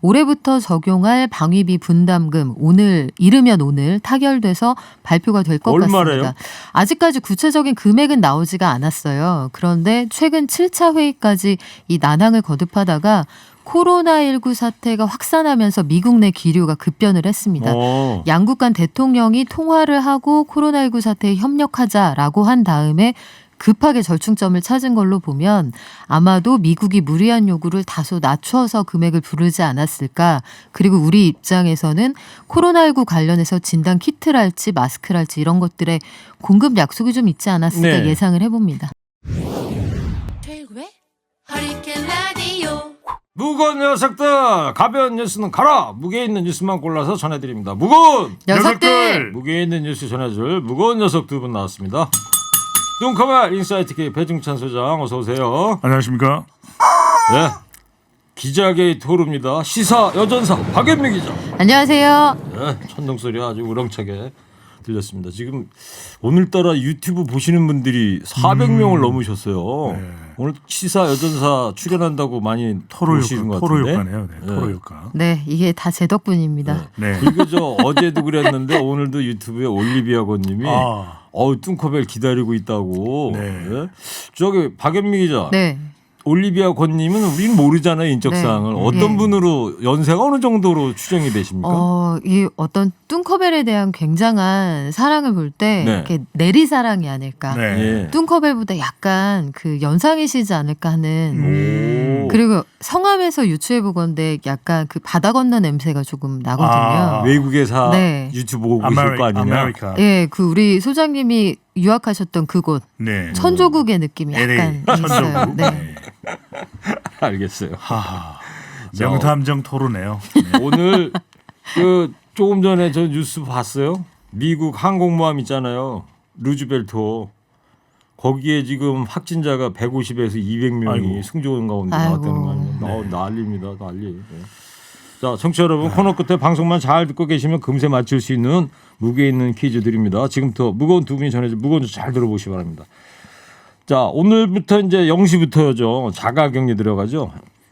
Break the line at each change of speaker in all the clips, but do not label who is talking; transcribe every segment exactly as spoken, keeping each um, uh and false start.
올해부터 적용할 방위비 분담금 오늘 이르면 오늘 타결돼서 발표가 될 것
얼마래요?
같습니다. 아직까지 구체적인 금액은 나오지가 않았어요. 그런데 최근 칠 차 회의까지 이 난항을 거듭하다가 코로나십구 사태가 확산하면서 미국 내 기류가 급변을 했습니다.
어.
양국 간 대통령이 통화를 하고 코로나십구 사태에 협력하자라고 한 다음에 급하게 절충점을 찾은 걸로 보면 아마도 미국이 무리한 요구를 다소 낮춰서 금액을 부르지 않았을까. 그리고 우리 입장에서는 코로나십구 관련해서 진단 키트랄지 마스크랄지 이런 것들의 공급 약속이 좀 있지 않았을까
네.
예상을 해봅니다.
최일구의 허리케인 라디오.
무거운 녀석들 가벼운 뉴스는 가라. 무게 있는 뉴스만 골라서 전해드립니다. 무거운
녀석들!
무게 있는 뉴스 전해줄 무거운 녀석 두 분 나왔습니다. 눈커벨 인사이트 K 배중찬 소장 어서 오세요.
안녕하십니까?
네. 기자계의 토르입니다. 시사 여전사 박연미 기자.
안녕하세요.
네, 천둥 소리 아주 우렁차게 들렸습니다. 지금 오늘따라 유튜브 보시는 분들이 사백 명을 넘으셨어요.
네.
오늘 시사 여전사 출연한다고 많이
토로
보시는
효과,
것
토로
같은데.
효과네요. 네, 토로
네.
효과.
네, 이게 다 제 덕분입니다.
네.
네.
그리고 저 어제도 그랬는데 오늘도 유튜브에 올리비아 권님이
아,
어우 뚱커벨 기다리고 있다고.
네.
네. 저기 박연미 기자.
네.
올리비아 권님은 우리는 모르잖아요 인적사항을.
네.
어떤
예.
분으로 연세가 어느 정도로 추정이 되십니까?
어, 이 어떤 뚱커벨에 대한 굉장한 사랑을 볼 때
네.
이렇게 내리 사랑이 아닐까.
네.
예.
뚱커벨보다 약간 그 연상이시지 않을까 하는.
오.
그리고 성함에서 유추해 보건데 약간 그 바다 건너 냄새가 조금 나거든요.
아.
외국에서
네.
유튜브 보고 계실
아메리,
거 아니냐?
아메리카.
예, 그 우리 소장님이 유학하셨던 그곳
네.
천조국의 느낌이
엘에이,
약간 있어요.
천정국.
네.
네.
알겠어요.
하하.
자,
명탐정 토로네요. 네.
오늘 그 조금 전에 저 뉴스 봤어요. 미국 항공모함 있잖아요. 루즈벨트. 거기에 지금 확진자가 백오십에서 이백 명이
아이고.
승조원 가운데
아이고.
나왔다는 거 아니에요? 어, 난리입니다. 난리. 네. 자, 청취자 여러분 코너 끝에 방송만 잘 듣고 계시면 금세 맞출 수 있는 무게 있는 퀴즈 드립니다. 지금부터 무거운 두 분이 전해줄 무거운 주 잘 들어보시기 바랍니다. 자, 오늘부터 이제 영 시부터죠. 자가격리 들어가죠.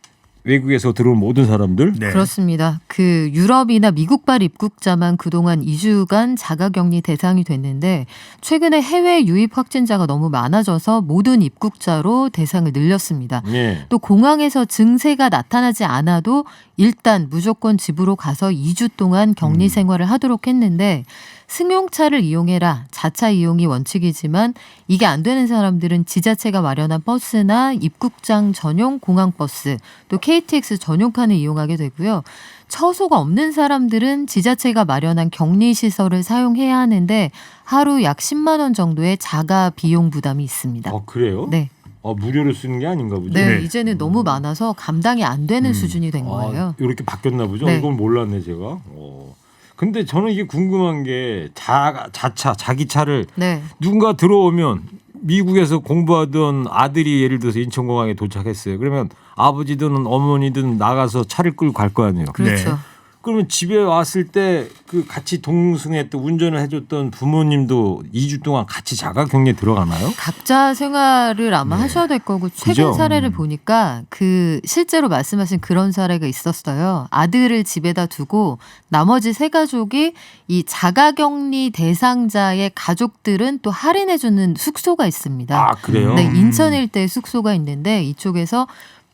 외국에서 들어온 모든 사람들.
네.
그렇습니다. 그 유럽이나 미국발 입국자만 그동안 이 주간 자가격리 대상이 됐는데 최근에 해외 유입 확진자가 너무 많아져서 모든 입국자로 대상을 늘렸습니다.
예.
또 공항에서 증세가 나타나지 않아도 일단 무조건 집으로 가서 이 주 동안 격리 생활을 하도록 했는데 승용차를 이용해라. 자차 이용이 원칙이지만 이게 안 되는 사람들은 지자체가 마련한 버스나 입국장 전용 공항버스 또 케이티엑스 전용칸을 이용하게 되고요. 처소가 없는 사람들은 지자체가 마련한 격리시설을 사용해야 하는데 하루 약 십만 원 정도의 자가 비용 부담이 있습니다.
아, 그래요?
네.
아, 무료로 쓰는 게 아닌가 보죠.
네,
네.
이제는 너무 많아서 감당이 안 되는
음.
수준이 된 거예요.
아, 이렇게 바뀌었나 보죠.
네.
이건 몰랐네 제가. 어. 근데 저는 이게 궁금한 게 자, 자차 자기 차를
네.
누군가 들어오면 미국에서 공부하던 아들이 예를 들어서 인천공항에 도착했어요. 그러면 아버지든 어머니든 나가서 차를 끌고 갈 거 아니에요.
그렇죠.
네.
그러면 집에 왔을 때 그 같이 동승했던 운전을 해줬던 부모님도 이 주 동안 같이 자가격리에 들어가나요?
각자 생활을 아마
네.
하셔야 될 거고 최근
그죠?
사례를 보니까 그 실제로 말씀하신 그런 사례가 있었어요. 아들을 집에다 두고 나머지 세 가족이 이 자가격리 대상자의 가족들은 또 할인해주는 숙소가 있습니다.
아, 그래요?
네, 인천 일대에 숙소가 있는데 이쪽에서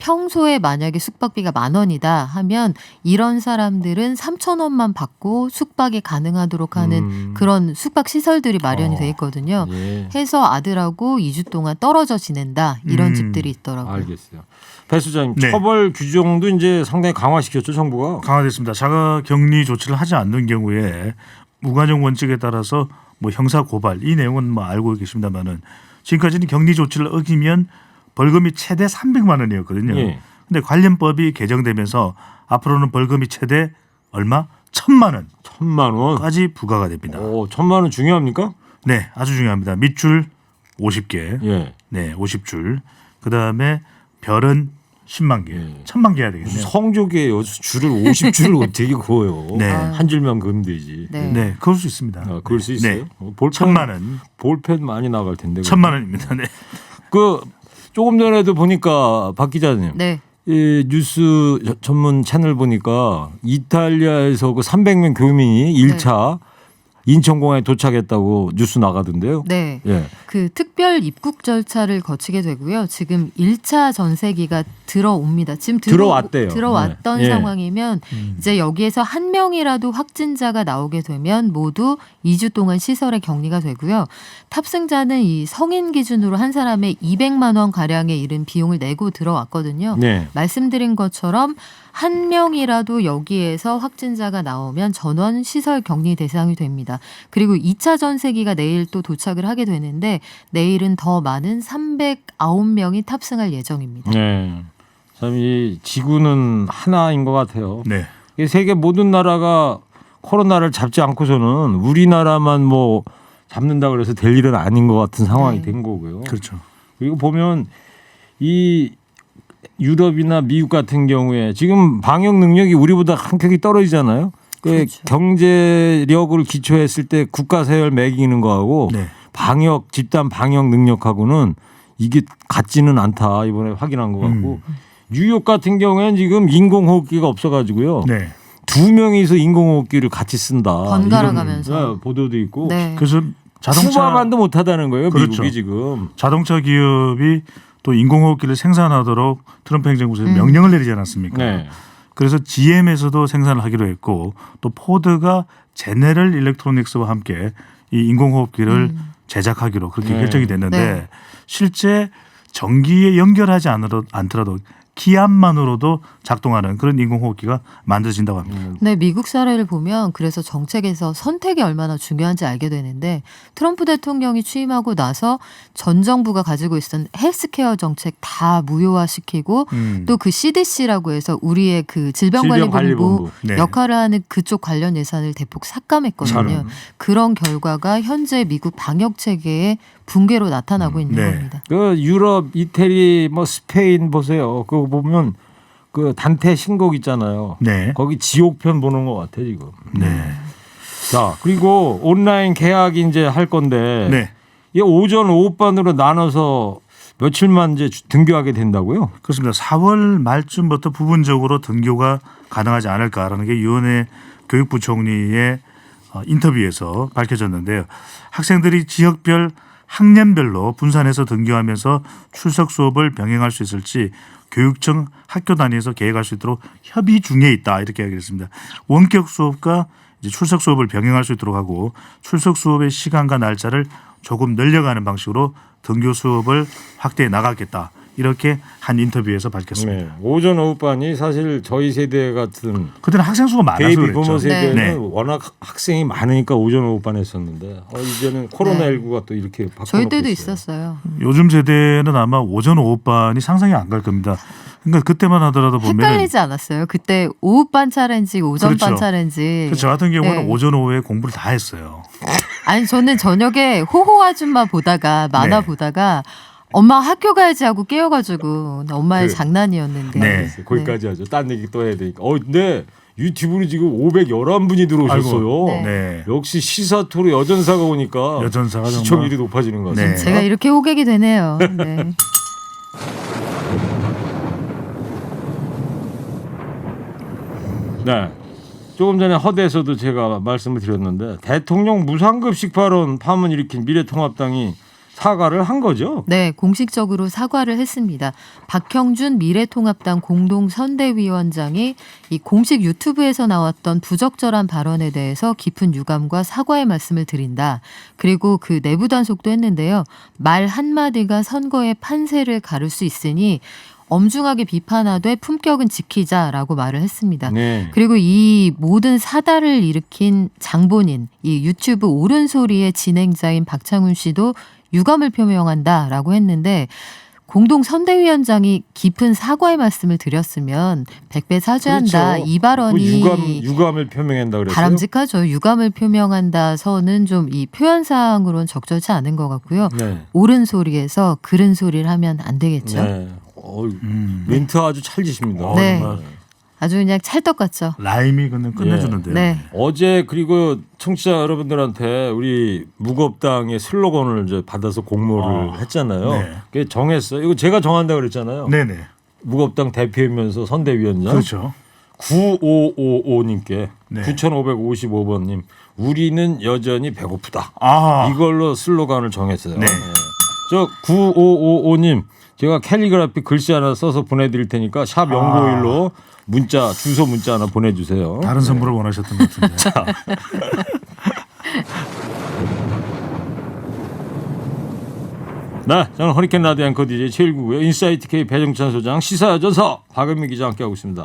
평소에 만약에 숙박비가 만 원이다 하면 이런 사람들은 삼천 원만 받고 숙박이 가능하도록 하는
음.
그런 숙박 시설들이 마련이
어.
돼 있거든요.
예.
해서 아들하고 이 주 동안 떨어져 지낸다 이런
음.
집들이 있더라고요.
알겠어요. 배 수장님,
네.
처벌 규정도 이제 상당히 강화시켰죠, 정부가.
강화됐습니다. 자가격리 조치를 하지 않는 경우에 무관용 원칙에 따라서 뭐 형사 고발 이 내용은 뭐 알고 계십니다만은 지금까지는 격리 조치를 어기면 벌금이 최대 삼백만 원이었거든요.
예.
근데 관련법이 개정되면서 앞으로는 벌금이 최대 얼마? 천만
천만 원.
원까지 부과가 됩니다.
오, 천만 원 중요합니까?
네, 아주 중요합니다. 밑줄 오십 개,
예.
네, 오십 줄. 그 다음에 별은 십만 개,
예.
천만 개야 되겠네요.
성조기예요. 줄을 오십 줄을 어떻게 그어요?
네.
한 줄만 그으면 되지.
네.
네, 그럴 수 있습니다.
아, 그럴 수
네.
있어요.
네.
어, 볼펜
천만 원,
볼펜 많이 나갈 텐데.
천만 원입니다. 네.
그 조금 전에도 보니까 박 기자님,
네.
이 뉴스 전문 채널 보니까 이탈리아에서 그 삼백 명 교민이 일 차 인천공항에 도착했다고 뉴스 나가던데요.
네.
예.
그 특별 입국 절차를 거치게 되고요. 지금 일 차 전세기가 들어옵니다. 지금 들어,
들어왔대요.
들어왔던
네. 예.
상황이면
음.
이제 여기에서 한 명이라도 확진자가 나오게 되면 모두 이 주 동안 시설에 격리가 되고요. 탑승자는 이 성인 기준으로 한 사람에 이백만 원 가량에 이른 비용을 내고 들어왔거든요.
네.
말씀드린 것처럼 한 명이라도 여기에서 확진자가 나오면 전원 시설 격리 대상이 됩니다. 그리고 이 차 전세기가 내일 또 도착을 하게 되는데 내일은 더 많은 삼백구 명이 탑승할 예정입니다.
네. 참 이 지구는 하나인 것 같아요.
네.
이 세계 모든 나라가 코로나를 잡지 않고서는 우리나라만 뭐 잡는다 그래서 될 일은 아닌 것 같은 상황이
네.
된 거고요.
그렇죠.
그리고 보면 이 유럽이나 미국 같은 경우에 지금 방역 능력이 우리보다 한 격이 떨어지잖아요. 그
그렇죠.
경제력을 기초했을 때 국가 세열 매기는 거하고
네.
방역 집단 방역 능력하고는 이게 같지는 않다 이번에 확인한 것 같고
음.
뉴욕 같은 경우에는 지금 인공호흡기가 없어가지고요.
네.
두 명이서 인공호흡기를 같이 쓴다.
번갈아
이런,
가면서.
네, 보도도 있고
네.
그래서 자동차
쿠바만도 못하다는 거예요.
그렇죠.
미국이 지금.
자동차 기업이 또 인공호흡기를 생산하도록 트럼프 행정부에서
음.
명령을 내리지 않았습니까?
네.
그래서 지엠에서도 생산을 하기로 했고 또 포드가 제네럴 일렉트로닉스와 함께 이 인공호흡기를
음.
제작하기로 그렇게
네.
결정이 됐는데
네.
실제 전기에 연결하지 않으러- 않더라도 기압만으로도 작동하는 그런 인공호흡기가 만들어진다고 합니다.
네, 미국 사례를 보면 그래서 정책에서 선택이 얼마나 중요한지 알게 되는데 트럼프 대통령이 취임하고 나서 전 정부가 가지고 있었던 헬스케어 정책 다 무효화시키고
음.
또 그 씨디씨라고 해서 우리의 그 질병관리본부
질병관리본부.
네.
역할을 하는 그쪽 관련 예산을 대폭 삭감했거든요.
저는.
그런 결과가 현재 미국 방역 체계의 붕괴로 나타나고 있는
네.
겁니다.
그 유럽, 이태리, 뭐 스페인 보세요. 그거 보면 그 단테 신곡 있잖아요.
네.
거기 지옥편 보는 것 같아 지금.
네.
자 그리고 온라인 계약이 이제 할 건데
네.
이 오전 오후반으로 나눠서 며칠만 이제 주- 등교하게 된다고요?
그렇습니다. 사월 말쯤부터 부분적으로 등교가 가능하지 않을까라는 게 유은혜 교육부 총리의 어, 인터뷰에서 밝혀졌는데요. 학생들이 지역별 학년별로 분산해서 등교하면서 출석 수업을 병행할 수 있을지 교육청 학교 단위에서 계획할 수 있도록 협의 중에 있다 이렇게 이야기했습니다. 원격 수업과 이제 출석 수업을 병행할 수 있도록 하고 출석 수업의 시간과 날짜를 조금 늘려가는 방식으로 등교 수업을 확대해 나가겠다 이렇게 한 인터뷰에서 밝혔습니다.
네. 오전 오후반이 사실 저희 세대 같은
그때는 학생 수가 많아서
베이비
그랬죠.
부모 세대는
네.
워낙 학생이 많으니까 오전 오후반 했었는데 어, 이제는 코로나십구가 또 이렇게 바꿔
저희 때도 있었어요.
요즘 세대는 아마 오전 오후반이 상상이 안 갈 겁니다. 그러니까 그때만 하더라도 보면
헷갈리지 않았어요? 그때 오후반 차례인지 오전반
그렇죠.
차례인지.
저 같은 경우는
네.
오전 오후에 공부를 다 했어요.
아니 저는 저녁에 호호 아줌마 보다가 만화
네.
보다가 엄마 학교 가야지 하고 깨워가지고 엄마의
그래.
장난이었는데.
네.
거기까지 하죠. 딴 얘기 또 해야 되니까. 어, 근데 유튜브로 지금 오백십일 분이 들어오셨어요.
네.
네.
역시 시사토로 여전사가 오니까
여전사가 정말
시청률이 높아지는 것 같습니다.
네.
제가 이렇게 호객이 되네요. 네.
네. 조금 전에 허대에서도 제가 말씀을 드렸는데 대통령 무상급식 발언 파문 일으킨 미래통합당이 사과를 한 거죠.
네, 공식적으로 사과를 했습니다. 박형준 미래통합당 공동선대위원장이 이 공식 유튜브에서 나왔던 부적절한 발언에 대해서 깊은 유감과 사과의 말씀을 드린다. 그리고 그 내부 단속도 했는데요. 말 한마디가 선거의 판세를 가를 수 있으니 엄중하게 비판하되 품격은 지키자라고 말을 했습니다.
네.
그리고 이 모든 사달을 일으킨 장본인, 이 유튜브 옳은소리의 진행자인 박창훈 씨도 유감을 표명한다라고 했는데 공동 선대위원장이 깊은 사과의 말씀을 드렸으면 백배 사죄한다.
그렇죠.
이 발언이
그 유감 유감을 표명한다 그랬어요.
바람직하죠. 유감을 표명한다서는 좀 이 표현상으로는 적절치 않은 것 같고요.
네.
옳은 소리에서 그른 소리를 하면 안 되겠죠.
네. 어,
음.
멘트 아주 찰지십니다.
어,
네.
정말
아주 그냥 찰떡 같죠.
라임이 그냥 끝내주는데요.
네.
어제 그리고 청취자 여러분들한테 우리 무겁당의 슬로건을 이제 받아서 공모를
아,
했잖아요.
네.
그게 정했어요. 이거 제가 정한다 그랬잖아요.
네네.
무겁당 대표이면서 선대위원장.
그렇죠.
구오오오님께
네.
구천오백오십오 번님 우리는 여전히 배고프다.
아,
이걸로 슬로건을 정했어요.
네.
저 구오오오님 제가 캘리그라피 글씨 하나 써서 보내드릴 테니까 샵 영구일로 문자 주소 문자 하나 보내주세요.
다른 선물을 원하셨던 것 같은데.
네, 저는 허리케인 라디오 앵커 디제이 최일구고요. 인사이트 K 배정찬 소장, 시사여전서 박은미 기자 함께하고 있습니다.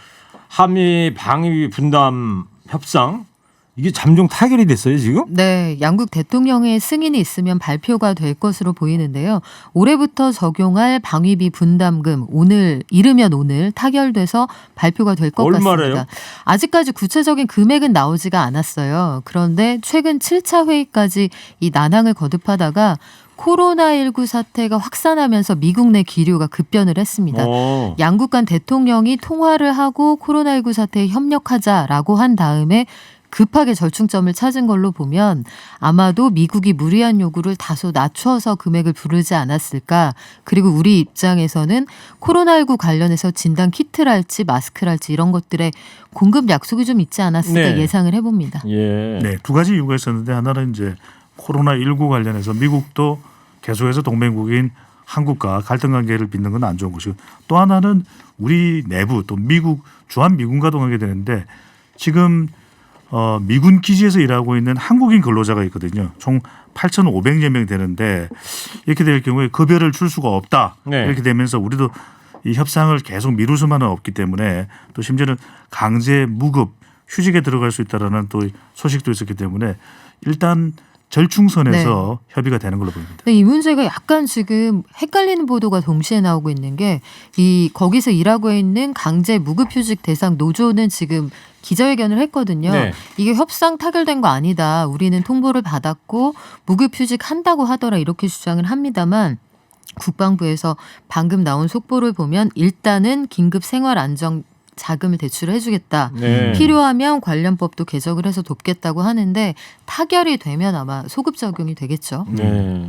한미 방위 분담 협상 이게 잠정 타결이 됐어요 지금?
네, 양국 대통령의 승인이 있으면 발표가 될 것으로 보이는데요. 올해부터 적용할 방위비 분담금 오늘 이르면 오늘 타결돼서 발표가 될 것
얼마래요?
같습니다. 아직까지 구체적인 금액은 나오지가 않았어요. 그런데 최근 칠 차 회의까지 이 난항을 거듭하다가 코로나십구 사태가 확산하면서 미국 내 기류가 급변을 했습니다.
어.
양국 간 대통령이 통화를 하고 코로나십구 사태에 협력하자라고 한 다음에 급하게 절충점을 찾은 걸로 보면 아마도 미국이 무리한 요구를 다소 낮춰서 금액을 부르지 않았을까. 그리고 우리 입장에서는 코로나십구 관련해서 진단 키트랄지 마스크랄지 이런 것들의 공급 약속이 좀 있지 않았을까
네.
예상을 해봅니다.
예.
네, 두 가지 이유가 있었는데 하나는 이제 코로나십구 관련해서 미국도 계속해서 동맹국인 한국과 갈등 관계를 빚는 건 안 좋은 것이고 또 하나는 우리 내부 또 미국 주한 미군과도 관계되는데 지금 어, 미군 기지에서 일하고 있는 한국인 근로자가 있거든요. 총 팔천오백여 명 되는데 이렇게 될 경우에 급여를 줄 수가 없다.
네.
이렇게 되면서 우리도 이 협상을 계속 미룰 수만은 없기 때문에 또 심지어는 강제 무급 휴직에 들어갈 수 있다라는 또 소식도 있었기 때문에 일단 절충선에서 네. 협의가 되는 걸로 보입니다.
근데 이 문제가 약간 지금 헷갈리는 보도가 동시에 나오고 있는 게 이 거기서 일하고 있는 강제 무급휴직 대상 노조는 지금 기자회견을 했거든요.
네.
이게 협상 타결된 거 아니다. 우리는 통보를 받았고 무급휴직 한다고 하더라 이렇게 주장을 합니다만 국방부에서 방금 나온 속보를 보면 일단은 긴급 생활 안정 자금을 대출해 주겠다.
네.
필요하면 관련법도 개정을 해서 돕겠다고 하는데 타결이 되면 아마 소급 적용이 되겠죠.
네.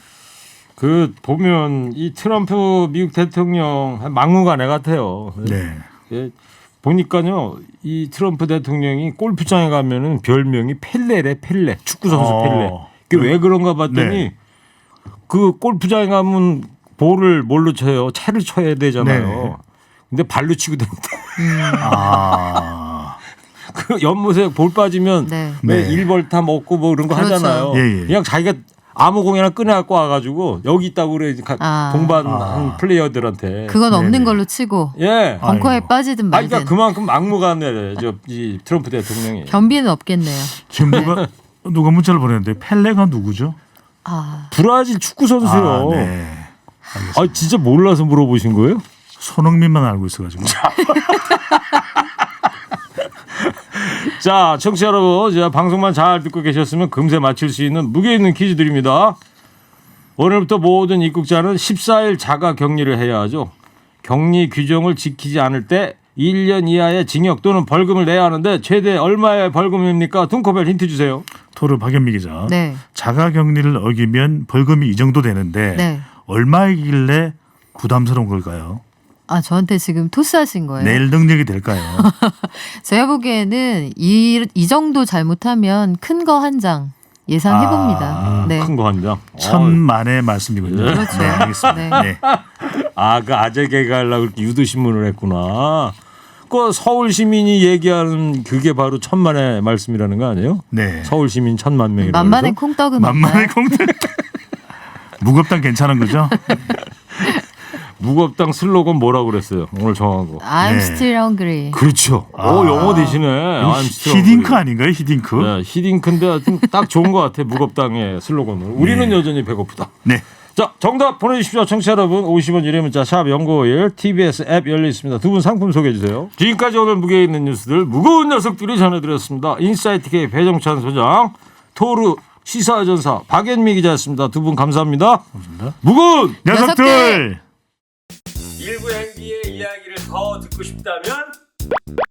그 보면 이 트럼프 미국 대통령 한 막무가내 같아요.
네.
예, 보니까요 이 트럼프 대통령이 골프장에 가면은 별명이 펠레래 펠레 축구 선수
어.
펠레. 그게 왜 그런가 봤더니
네.
그 골프장에 가면 볼을 뭘로 쳐요? 채를 쳐야 되잖아요.
네.
근데 발로 치고 다닌다.
아.
그 연못에 볼 빠지면
네.
왜
네.
일벌타 먹고 뭐 그런 거
그렇죠.
하잖아요.
예, 예.
그냥 자기가 아무 공이나 꺼내갖고 와가지고 여기 있다고 그래
아.
동반한
아.
플레이어들한테.
그건 없는
네네.
걸로 치고
예.
벙커에
아이고.
빠지든
아,
말든
그러니까 그만큼 막무가내 저이 트럼프 대통령이.
변비는 없겠네요.
지금 누가 누가 문자를 보냈는데 펠레가 누구죠?
아,
브라질 축구 선수요.
아, 네.
아, 진짜 몰라서 물어보신 거예요?
손흥민만 알고 있어가지고.
자, 청취자 여러분, 자, 방송만 잘 듣고 계셨으면 금세 맞힐 수 있는 무게 있는 퀴즈 드립니다. 오늘부터 모든 입국자는 십사 일 자가 격리를 해야 하죠. 격리 규정을 지키지 않을 때 일 년 이하의 징역 또는 벌금을 내야 하는데 최대 얼마의 벌금입니까? 둥커벨 힌트 주세요.
토르 박연미 기자.
네,
자가격리를 어기면 벌금이 이 정도 되는데
네.
얼마이길래 부담스러운 걸까요?
아 저한테 지금 토스하신 거예요.
낼 능력이 될까요?
제가 보기에는 이, 이 정도 잘못하면 큰 거 한 장 예상해 봅니다.
아,
네.
큰 거 한 장.
천만의 말씀이군요.
그렇죠.
네, 알겠습니다.
네.
네.
아, 그 아재 개그하려고 그렇게 유도신문을 했구나. 그 서울 시민이 얘기하는 그게 바로 천만의 말씀이라는 거 아니에요?
네.
서울 시민 천만 명이라고.
만만의
그래서?
콩떡은
만만의
없나요?
공들. 무겁당 괜찮은 거죠?
무겁당 슬로건 뭐라고 그랬어요? 오늘 정한 거.
I'm
네.
still hungry.
그렇죠.
아.
오, 영어 되시네. I'm still
히딩크
hungry.
아닌가요? 히딩크?
네, 히딩크인데 하여튼 딱 좋은 것 같아. 무겁당의 슬로건은. 우리는
네.
여전히 배고프다.
네.
자, 정답 보내주십시오. 청취자 여러분. 오십 원 유료 문자 샵 영구오일 티비에스 앱 열려 있습니다. 두 분 상품 소개해 주세요. 지금까지 오늘 무게 있는 뉴스들 무거운 녀석들이 전해드렸습니다. 인사이트 K 배정찬 소장, 토르 시사전사 박연미 기자였습니다. 두 분 감사합니다.
감사합니다.
무거운
녀석들!
녀석들!
일부 행기의 이야기를 더 듣고 싶다면